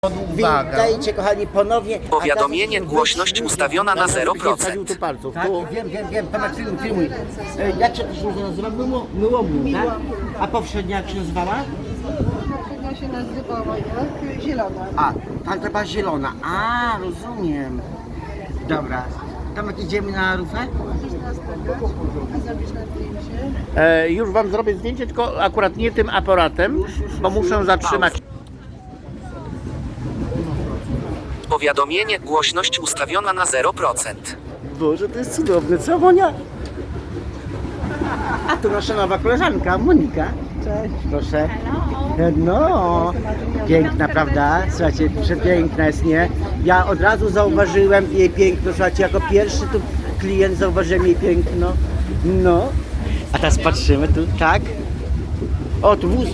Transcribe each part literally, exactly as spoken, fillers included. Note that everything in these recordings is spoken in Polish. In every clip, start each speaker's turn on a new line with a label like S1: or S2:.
S1: Uwaga.
S2: Witajcie kochani ponownie.
S3: Powiadomienie, głośność ustawiona na zero procent.
S1: Tu palców.
S2: Tak,
S1: Tu.
S2: wiem, wiem, wiem, Tomek film, filmuj. E, Jak się to się nazywa? Myło, myłomu, tak? A poprzednia jak się nazywała?
S4: Poprzednia się nazywała jak zielona.
S2: A, tamta była zielona. A, rozumiem. Dobra. Tomek, idziemy na rufę?
S4: Zrobisz na zdjęcie.
S1: E, już wam zrobię zdjęcie, tylko akurat nie tym aparatem, bo muszę zatrzymać.
S3: Powiadomienie, głośność ustawiona na zero procent.
S2: Boże, to jest cudowne, co Monia? A tu nasza nowa koleżanka, Monika.
S4: Cześć.
S2: Proszę. No, piękna, prawda? Słuchajcie, przepiękna jest, nie? Ja od razu zauważyłem jej piękno, słuchajcie, jako pierwszy tu klient zauważyłem jej piękno. No. A teraz patrzymy tu, tak? O, tu wóz.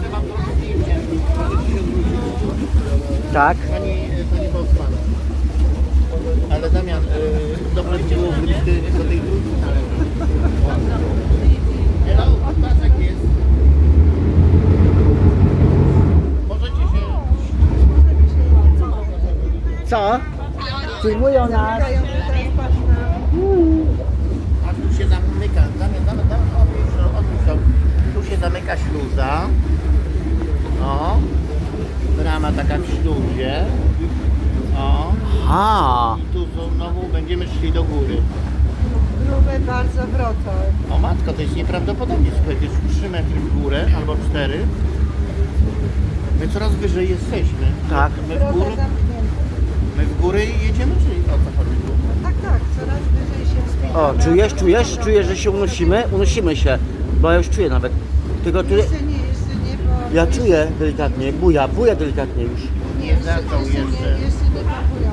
S2: Tak.
S1: Pani, pani Bosman. Ale Damian, y, dobrze by było wrócić do tej drugiej. Hello, pasek jest. Możecie się...
S2: Co? Filmują nas.
S4: Dają tutaj patrz na...
S1: A tu się zamyka, Damian, Damian, Damian, odwróć, odwróć to. Tu się zamyka śluza. O. Brama taka w śluzie. O.
S2: A.
S1: I tu znowu będziemy szli do góry.
S4: Grube bardzo wrota.
S1: O matko, to jest nieprawdopodobnie, słuchaj, to jest trzy metry w górę, albo cztery. My coraz wyżej jesteśmy.
S2: Tak.
S1: My w
S4: Wrota
S1: górę,
S4: zamknięte.
S1: my w górę jedziemy, czyli o co chodzi tu?
S4: Tak, tak, coraz wyżej się wspinamy.
S2: O, czujesz, czujesz, czujesz, że się unosimy? Unosimy się, bo ja już czuję nawet. Tylko tu...
S4: Jeszcze nie, jeszcze nie, bo...
S2: Ja czuję delikatnie, buja, buja delikatnie już.
S1: Nie zaczął
S4: jeszcze.
S1: jeszcze.
S4: Nie, jeszcze nie pompują.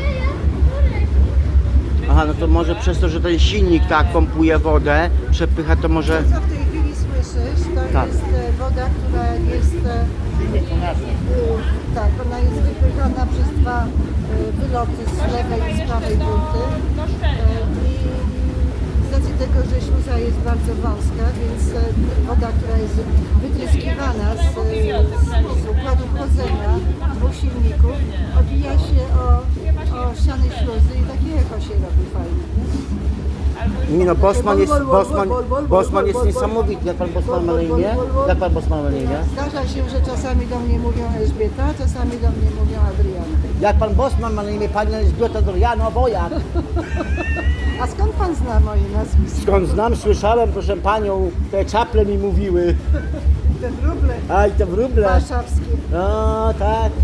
S2: Aha, no to może przez to, że ten silnik tak pompuje wodę, przepycha, to może...
S4: To, co w tej chwili słyszysz, to
S2: Tak.
S4: jest e, woda, która jest... e,
S1: Silnik to nasz.
S4: y, Tak, ona jest wypychana przez dwa y, wyloty z lewej i z prawej burty. Y, I z racji tego, że śluza jest bardzo wąska, więc y, woda, która jest wytryskiwana z, z, z układu chłodzenia dwóch silników, odbija się o, o ściany śluzy i takie echo się robi fajnie.
S2: Nie no, Bosman jest, Bosman, Bosman jest niesamowity. Jak pan Bosman ma na imię? Jak pan Bosman ma na imię?
S4: Zdarza się, że czasami do mnie mówią Elżbieta, czasami do mnie mówią Adriana.
S2: Jak pan Bosman ma na imię pani Elżbieta Doriano Wojak.
S4: A skąd pan zna moje nazwisko?
S2: Skąd znam, słyszałem, proszę panią, te czaple mi mówiły.
S4: Te wróble
S2: Aj, te wróble.
S4: warszawskie.
S2: No, tak.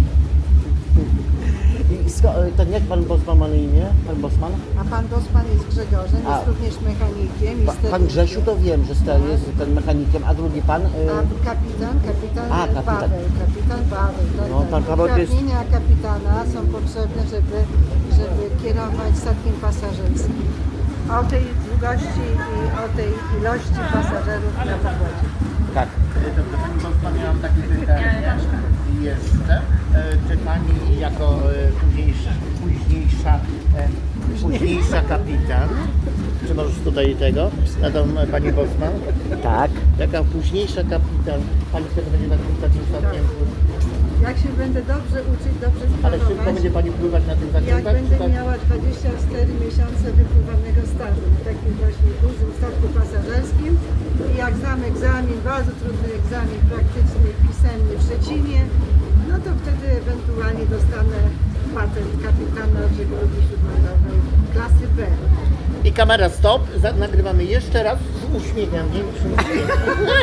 S2: I sko- to jak pan Bosman ma na imię? Pan Bosman?
S4: A pan Bosman jest Grzegorzem,
S2: A.
S4: jest również mechanikiem. i
S2: Pa, pan
S4: sterownikiem.
S2: Grzesiu to wiem, że ster jest ten mechanikiem, a drugi pan? Y-
S4: A kapitan, kapitan,
S2: A, kapitan.
S4: Paweł, kapitan Paweł. Tak,
S2: No,
S4: tak.
S2: pan Paweł to jest-
S4: Uprawnienia kapitana są potrzebne, żeby, żeby kierować statkiem pasażerskim. O tej długości i o tej ilości pasażerów na pokładzie.
S2: tak.
S1: Dobrze, pani Bosman, ja mam takie pytanie jeszcze. E, Czy pani jako e, późniejsza, późniejsza, e, późniejsza kapitan, czy możesz tutaj tego, na tą e, pani Bosman?
S2: Tak.
S1: Jaka późniejsza kapitan, pani wtedy będzie na tym takim statkiem,
S4: Jak się będę dobrze uczyć, dobrze
S1: ale szybko
S4: sprawować,
S1: będzie pani pływać na tym
S4: jak
S1: zakrętach?
S4: będę
S1: czy tak?
S4: miała dwadzieścia cztery miesiące wypływanego stażu na takim właśnie dużym statku pasażerskim i jak znam egzamin, bardzo trudny egzamin praktyczny, pisemny w Szczecinie, no to wtedy ewentualnie dostanę patent kapitana żeglugi śródlądowej klasy B.
S1: I kamera stop, Za, nagrywamy jeszcze raz z uśmiechem, większym uśmiechem.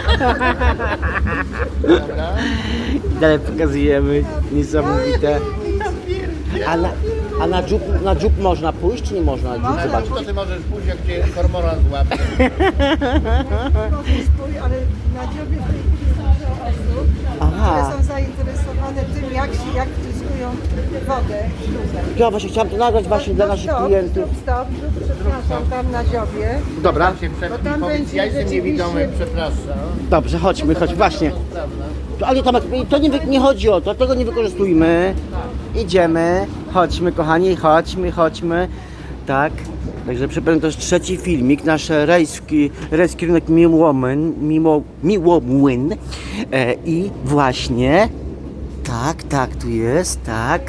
S1: Dobra.
S2: Dalej pokazujemy, niesamowite. A na, a na dziób, na dziób można pójść, czy nie można na dziób
S4: Można.
S2: zobaczyć?
S1: To ty możesz pójść, jak cię kormorant złapie.
S4: Może spój, ale na dziobie w tej chwili jest dużo osób,
S2: Aha.
S4: które są zainteresowane tym, jak, się, jak wciskują wodę w śluzę.
S2: Ja właśnie chciałem to nagrać właśnie dla naszych
S4: Stop,
S2: klientów.
S4: Stop, stop, przepraszam, tam na dziobie.
S2: Dobra,
S1: Tam się
S4: Bo
S1: przed
S4: tam
S1: powiedz,
S4: będzie
S1: ja jestem
S4: rzeczywiście-
S1: niewidomy, przepraszam.
S2: dobrze, chodźmy, chodź, właśnie.
S1: Prawda?
S2: To, ale Tomek, to nie, wy- nie chodzi o to, tego nie wykorzystujmy. Idziemy, chodźmy kochani, chodźmy, chodźmy. Tak, także przypomnę, to jest trzeci filmik, nasz rejs, w ki- rejs kierunek Miłomłyn, Miło, Miłomłyn. E, i właśnie Tak, tak, tu jest, tak.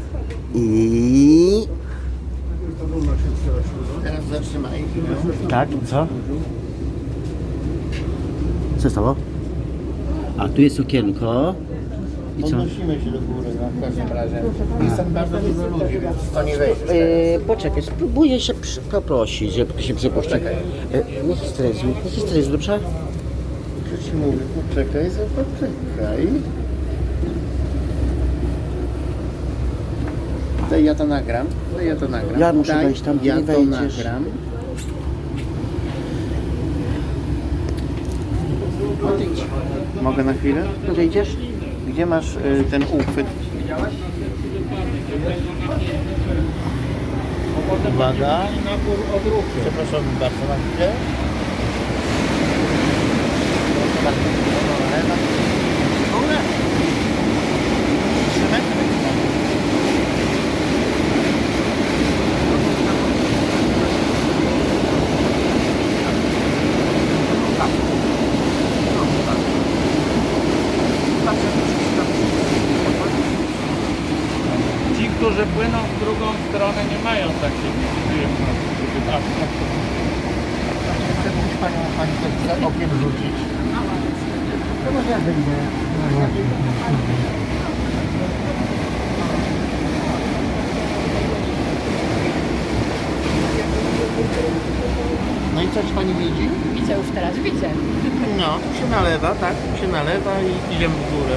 S2: I...
S1: Teraz zatrzymaj.
S2: Tak, co? Co stało? A tu jest okienko. I co?
S1: Podnosimy się do góry, no, w każdym razie. Jest tam bardzo dużo ludzi, więc to nie wejdziesz.
S2: E, poczekaj, spróbuję się przy, poprosić, żeby się przepuścić.
S1: Poczekaj.
S2: E, nie histeryzuj, nie histeryzuj, dobrze?
S1: Co ci mówię? Poczekaj, poczekaj. Daj, ja to nagram. Daj, ja to nagram.
S2: Ja muszę
S1: Daj,
S2: wejść tam, ty
S1: ja
S2: nie
S1: to
S2: wejdziesz.
S1: nagram. Odejdź. Mogę na chwilę?
S2: Podejdziesz?
S1: Gdzie masz y, ten uchwyt? Uwaga. Przepraszam bardzo na chwilę. Proszę bardzo. No, lewa. Górę. Trzy metry.
S5: Ci, którzy płyną w drugą stronę, nie mają takiej przyjemności.
S1: Chcę pójść panią, pani coś za okiem rzucić. To może ja wyjdę. No i coś pani widzi?
S6: Widzę już teraz, widzę.
S1: No, tu się nalewa, tak? Tu się nalewa i idziemy w górę.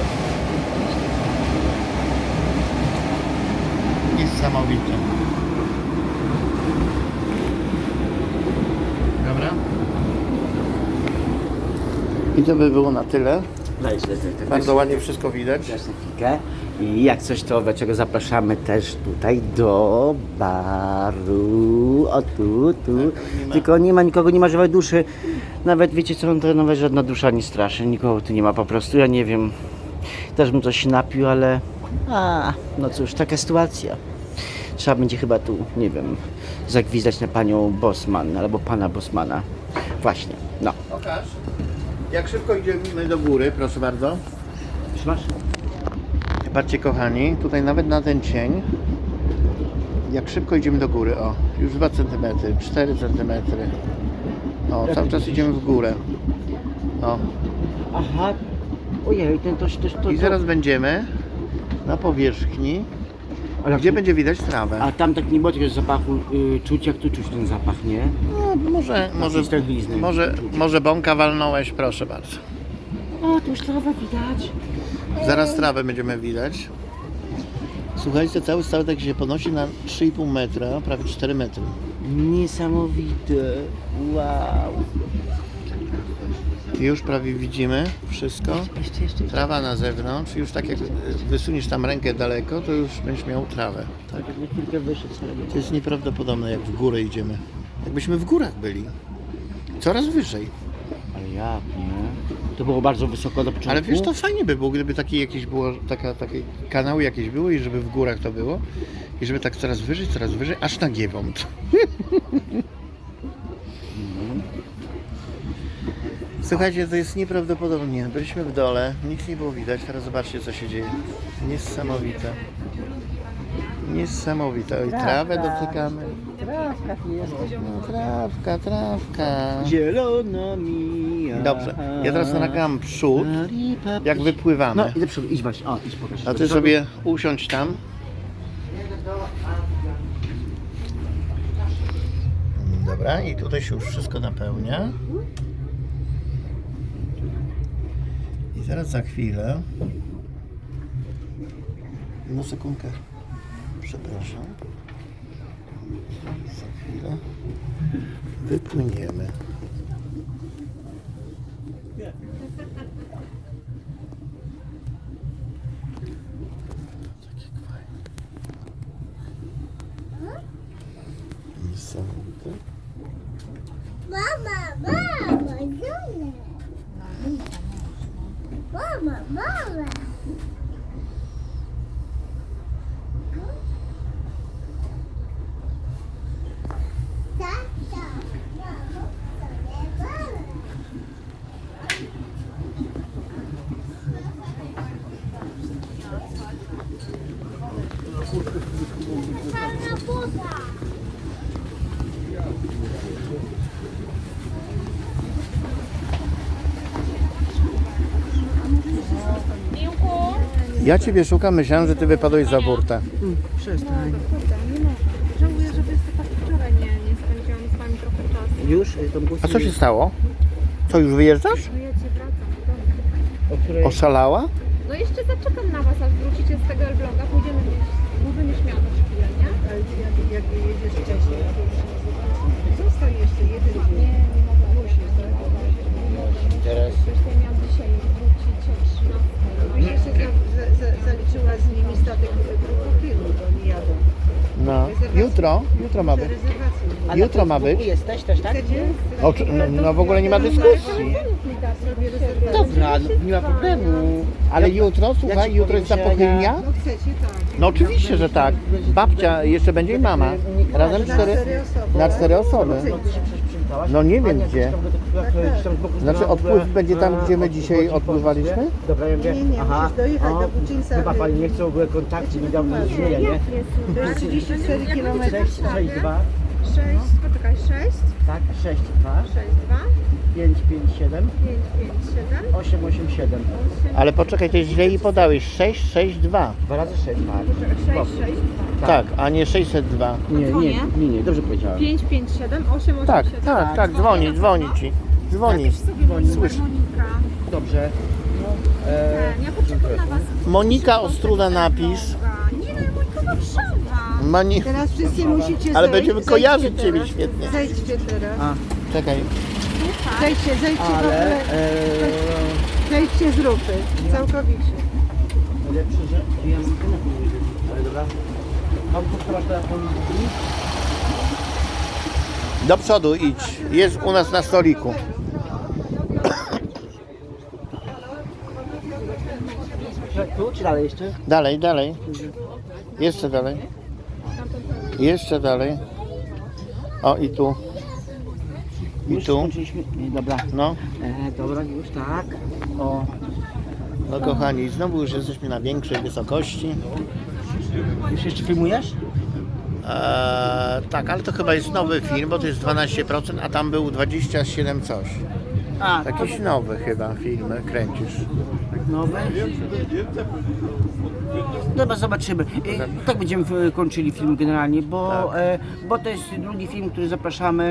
S1: Niesamowite. Dobra. I to by było na tyle.
S2: Weź, weź, weź.
S1: Bardzo ładnie wszystko widać.
S2: Teraz na chwilkę. I jak coś, to dlaczego zapraszamy też tutaj do baru. O tu, tu.
S1: nie ma.
S2: Tylko nie ma nikogo, nie ma żywej duszy. Nawet wiecie co, to nawet żadna dusza nie straszy. Nikogo tu nie ma po prostu. Ja nie wiem. Też bym coś napił, ale... A, no cóż, taka sytuacja. Trzeba będzie chyba tu, nie wiem, zagwizdać na panią Bosman albo pana Bosmana. Właśnie, no.
S1: Pokaż. Jak szybko idziemy do góry, proszę bardzo.
S2: Trzymasz?
S1: Patrzcie kochani, tutaj nawet na ten cień, jak szybko idziemy do góry, o, już dwa centymetry, cztery centymetry, o, cały czas idziemy w górę, o,
S2: Aha. Ojej, ten to, to, to,
S1: i zaraz będziemy na powierzchni,
S2: Ale
S1: gdzie będzie widać trawę.
S2: A tam tak nie było takiego zapachu y, czuć, jak tu czuć ten zapach, nie?
S1: No, może, może,
S2: stęchlizny.
S1: może, może bąka walnąłeś, proszę bardzo.
S2: O, tu już trawę widać.
S1: Zaraz trawę będziemy widać. Słuchajcie, cały statek się podnosi na trzy i pół metra, prawie cztery metry.
S2: Niesamowite. Wow.
S1: I już prawie widzimy wszystko.
S2: Jeszcze, jeszcze.
S1: Trawa na zewnątrz, już tak jak wysuniesz tam rękę daleko, to już będziesz miał trawę. Tak?
S2: Na chwilkę wyszedł sobie.
S1: To jest nieprawdopodobne, jak w górę idziemy. Jakbyśmy w górach byli. Coraz wyżej.
S2: Ale jak, nie? To było bardzo wysoko do początku.
S1: Ale wiesz, to fajnie by było, gdyby takie jakieś było, taka, takie kanały jakieś były i żeby w górach to było. I żeby tak coraz wyżej, coraz wyżej, aż na Giewont. Słuchajcie, to jest nieprawdopodobnie. Byliśmy w dole, nic nie było widać, teraz zobaczcie co się dzieje. Niesamowite. Niesamowite. Oj, trawę dotykamy.
S2: Trawka jest.
S1: No, trawka, trawka.
S2: Zielona mija.
S1: Dobrze, ja teraz nagram przód, jak wypływamy.
S2: No, idź do przodu, idź właśnie. O, idź pokaż.
S1: A ty sobie usiądź tam. Dobra, i tutaj się już wszystko napełnia. I zaraz za chwilę. No sekundkę. Przepraszam. Za chwilę wypłyniemy. Takie fajne. Niesamowite.
S7: Mama, mama, zone. Mama, mama. Tata, mama, Czarna buda.
S1: Ja ciebie szukam, myślałem, że ty wypadłeś za burtę.
S2: Przestań.
S6: Żałuję, że występać wczoraj nie, nie spędziłam z wami trochę czasu.
S2: Już? y, Tomku,
S1: A co się stało? Co, już wyjeżdżasz?
S6: No ja cię wracam do domu.
S2: O której...
S1: Oszalała?
S6: No jeszcze zaczekam na was, aż wrócicie z tego Elbląga. Pójdziemy gdzieś, może nie śmiało chwilę, nie?
S4: Ale jak, jak jedziesz wcześniej, to już zostań jeszcze jeden dzień.
S6: Nie, nie mogę.
S4: Musisz, tak?
S1: Teraz.
S6: Przecież ja miałam dzisiaj wrócić o trzynastej.
S4: Byś jeszcze za, za, za, zaliczyła z nimi statek grupu filmu, bo oni jadą.
S1: No. Jutro? Jutro ma być.
S4: Rezerwacje.
S2: A na
S1: Jutro ma
S2: Facebooku
S1: być.
S2: jesteś też, tak?
S4: Chcecie?
S1: O, czy- no, no w ogóle nie ma dyskusji.
S4: Zrobię rezerwację.
S2: Dobra, no, nie ma problemu.
S1: Ale jutro, słuchaj,
S2: ci
S1: jutro jest
S2: powiem, że
S1: zapochylnia?
S4: No chcecie, tak.
S1: No oczywiście, że tak. Babcia, jeszcze będzie i mama. Razem
S4: Na
S1: cztery,
S4: cztery osoby.
S1: na cztery osoby.
S2: No, ty się przecież przywitałaś?
S1: No nie wiem
S2: Ania,
S1: gdzie.
S2: coś tam do tego-
S4: Tak,
S2: tam z boku
S1: Znaczy
S2: znała,
S1: odpływ
S2: że-
S1: będzie tam, gdzie my
S2: a,
S1: dzisiaj
S2: odchodzi
S1: odpływaliśmy?
S2: Polsce? Dobra, ja mówię,
S4: Nie, nie, nie,
S2: aha,
S4: musisz dojechać
S2: o,
S4: do Buczyńca.
S2: Chyba pani nie chce w ogóle kontaktu, nie dał mi nic nie, nie?
S4: To jest trzydzieści cztery kilometry.
S2: sześć, sześć, dwa,
S6: sześć, poczekaj, sześć,
S2: tak, sześć, dwa,
S6: sześć, dwa,
S2: pięć, pięć, siedem,
S6: pięć, pięć, siedem,
S2: osiem, osiem, siedem.
S1: Ale poczekaj, to źle jej podałeś. sześć sześć dwa.
S2: Dwa razy sześć, tak.
S6: sześć, sześć, dwa.
S1: Tak, a nie sześćset dwa.
S2: Nie, nie,
S6: Dzwonię?
S2: nie, nie, dobrze powiedziałem.
S6: pięć, pięć, siedem, osiem, osiem,
S1: Tak,
S6: siedem.
S1: tak, tak, dzwoni, dzwoni ci. Dzwoni.
S6: Sobie
S1: Słyszę.
S6: Monika.
S2: Dobrze. No, e,
S6: Ten, ja poczekam na was.
S1: Monika Ostruda napisz.
S6: Nie no, Monika Warszawa.
S1: Moni...
S4: Teraz wszyscy musicie
S1: Ale
S4: zejść.
S1: będziemy
S4: Zejdźcie
S1: kojarzyć
S4: teraz.
S1: ciebie świetnie.
S4: Zejdźcie teraz.
S2: a,
S1: Czekaj.
S4: Zejdźcie, zejdźcie w
S2: ale
S4: ogóle.
S2: e,
S4: Zejdźcie z rupy. Całkowicie.
S2: lepsze, że ja mam telefon, ale dobra. Mam tu masz telefon.
S1: Do przodu idź. Jest u nas na stoliku.
S2: Tu czy dalej jeszcze?
S1: Dalej, dalej. Jeszcze dalej. Jeszcze dalej. O i tu. I
S2: Już
S1: tu.
S2: skończyliśmy. Nie, dobra.
S1: No.
S2: E, dobra, już tak. O,
S1: No kochani, znowu już jesteśmy na większej wysokości.
S2: już jeszcze filmujesz?
S1: Eee, tak, ale to chyba jest nowy film, bo to jest dwanaście procent, a tam był dwadzieścia siedem coś.
S2: A,
S1: Jakiś nowy chyba film kręcisz.
S2: nowe. Dobra, zobaczymy. E, tak będziemy e, kończyli film generalnie, bo,
S1: Tak.
S2: e, bo to jest drugi film, który zapraszamy.